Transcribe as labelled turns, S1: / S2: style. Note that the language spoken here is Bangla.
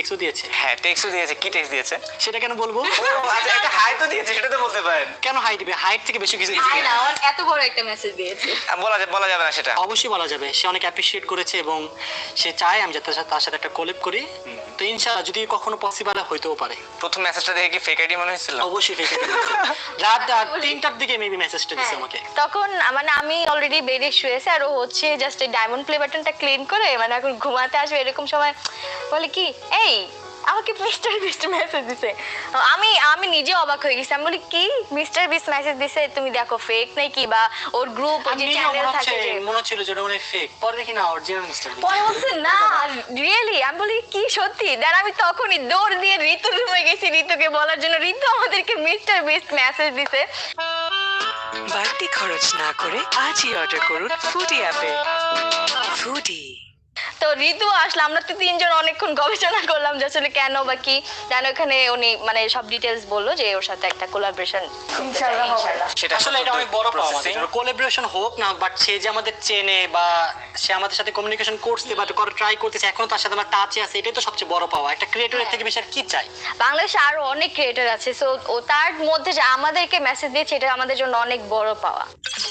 S1: টেক্সটও দিয়েছে।
S2: হ্যাঁ টেক্সটও দিয়েছে। কি টেক্সট দিয়েছে?
S1: সেটা কেন বলবো?
S2: আচ্ছা একটা হাই তো দিয়েছে, সেটা তো বলতে পারেন।
S1: কেন হাই দিবে? হাইট থেকে বেশি কিছু দিবে।
S3: আয় না, ওর এত বড় একটা মেসেজ দিয়েছে।
S2: বলা যাবে না সেটা।
S1: অবশ্যই বলা যাবে, সে অনেক অ্যাপ্রিশিয়েট করেছে এবং সে চায় আমি যাতে তার সাথে একটা কোলাব করি। তো ইনশাআল্লাহ যদি কখনো পসিবল হইতেও পারে।
S2: প্রথম মেসেজটা দেখে কি ফেক আইডি মনে হয়েছিল?
S1: অবশ্যই ফেক রাত 3টার দিকে মেবি মেসেজটা দিছে
S3: হ্যাঁ,
S1: আমাকে।
S3: তখন মানে আমি অলরেডি বেডে শুয়েছি আর ও হচ্ছে জাস্ট ডায়মন্ড প্লে বাটনটা ক্লিন করে মানে এখন ঘুমাতে আসবে এরকম সময় বলে কি এই আমাকে মিস্টার বিস্ট মেসেজ দিছে। আমি নিজে অবাক হয়ে গেছি। আমি বলি কি মিস্টার বিস্ট মেসেজ দিছে, তুমি দেখো ফেক নাকি বা ওর গ্রুপ ওর যে চ্যানেল থাকে যে
S1: মনে হচ্ছিল যে ওটা মানে ফেক, পরে দেখি না অরিজিনাল মিস্টার বিস্ট।
S3: পরে বলছে না রিয়েলি। আমি বলি কি সত্যি? দেন আমি তখনই দৌড় দিয়ে ঋতুর রুমে গেছি ঋতুকে বলার জন্য ঋতু আমাদেরকে মিস্টার বিস্ট মেসেজ দিছে।
S4: বাড়তি খরচ না করে আজই অর্ডার করুন ফুডি অ্যাপে। ফুডি।
S3: তো ঋতু আসলে আমরা তো তিনজন অনেকক্ষণ গবেষণা করলাম যে আসলে কেন বা কি। জানো ওখানে উনি মানে সব ডিটেলস বললো যে ওর সাথে একটা কোলাবোরেশন ইনশাআল্লাহ হবে।
S2: সেটা
S1: আসলে এটা অনেক বড় পাওয়া আমাদের জন্য। কোলাবোরেশন হোক না, বাট সে যে আমাদের চেনে বা সে আমাদের সাথে কমিউনিকেশন করছে বা করে ট্রাই করতেছে, এখনো তার সাথে আমার টাচে আছে, এটাই তো সবচেয়ে বড় পাওয়া। একটা ক্রিয়েটরের থেকে বেশি আর কি চাই?
S3: বাংলাদেশে আরো অনেক ক্রিয়েটর আছে, সো ও তার মধ্যে যে আমাদেরকে মেসেজ দিয়েছে এটা আমাদের জন্য অনেক বড় পাওয়া।